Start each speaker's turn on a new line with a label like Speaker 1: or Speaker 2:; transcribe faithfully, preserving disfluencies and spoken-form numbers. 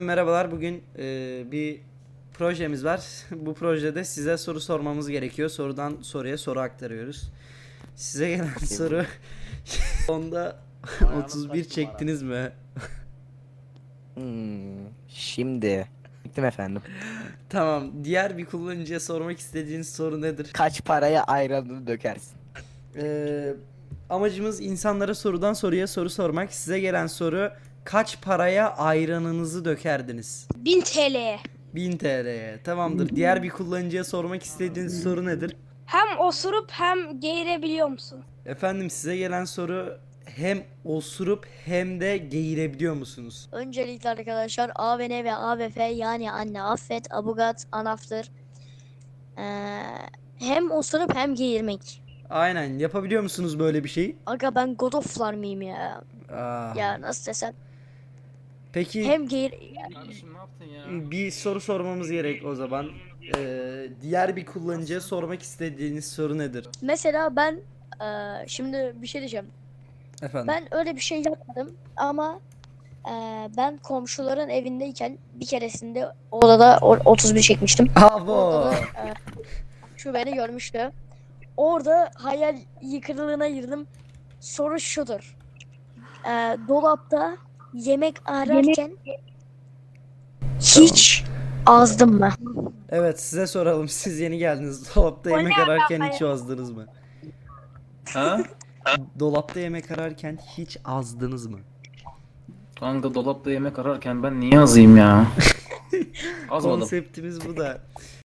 Speaker 1: Merhabalar, bugün e, bir projemiz var. Bu projede size soru sormamız gerekiyor. Sorudan soruya soru aktarıyoruz. Size gelen soru onda otuz bir çektiniz mi?
Speaker 2: Hmm, şimdi gittim efendim.
Speaker 1: Tamam. Diğer bir kullanıcıya sormak istediğiniz soru nedir?
Speaker 2: Kaç paraya ayranını dökersin?
Speaker 1: E, amacımız insanlara sorudan soruya soru sormak. Size gelen soru: kaç paraya ayranınızı dökerdiniz?
Speaker 3: bin T L'ye.
Speaker 1: bin T L'ye. Tamamdır. Diğer bir kullanıcıya sormak istediğiniz soru nedir?
Speaker 3: Hem osurup hem geğirebiliyor musun?
Speaker 1: Efendim, size gelen soru: hem osurup hem de geğirebiliyor musunuz?
Speaker 4: Öncelikle arkadaşlar A ve N ve A ve F yani anne affet, abugat, anaftır. Ee, hem osurup hem geğirmek.
Speaker 1: Aynen, yapabiliyor musunuz böyle bir şey?
Speaker 4: Aga ben God of'lar mıyım ya?
Speaker 1: Aa,
Speaker 4: Ya nasıl desem.
Speaker 1: peki
Speaker 4: Hem geğir...
Speaker 5: Kardeşim ne yaptın ya?
Speaker 1: bir soru sormamız gerek o zaman. Ee, diğer bir kullanıcıya sormak istediğiniz soru nedir?
Speaker 4: Mesela ben ee, şimdi bir şey diyeceğim.
Speaker 1: Efendim.
Speaker 4: Ben öyle bir şey yapmadım ama ee, ben komşuların evindeyken bir keresinde odada o- otuz bir çekmiştim.
Speaker 1: Abo.
Speaker 4: Orada da, ee, şu beni görmüştü. Orada hayal yıkıklığına girdim. Soru şudur. Ee, dolapta yemek ararken hiç azdım mı?
Speaker 1: Evet, size soralım. Siz yeni geldiniz. Dolapta
Speaker 3: O
Speaker 1: yemek
Speaker 3: ne
Speaker 1: ararken
Speaker 3: alaka
Speaker 1: hiç azdınız mı?
Speaker 5: Ha?
Speaker 1: Dolapta yemek ararken hiç azdınız mı?
Speaker 5: Kanka dolapta yemek ararken ben niye azayım ya? Azmadım.
Speaker 1: Konseptimiz bu da.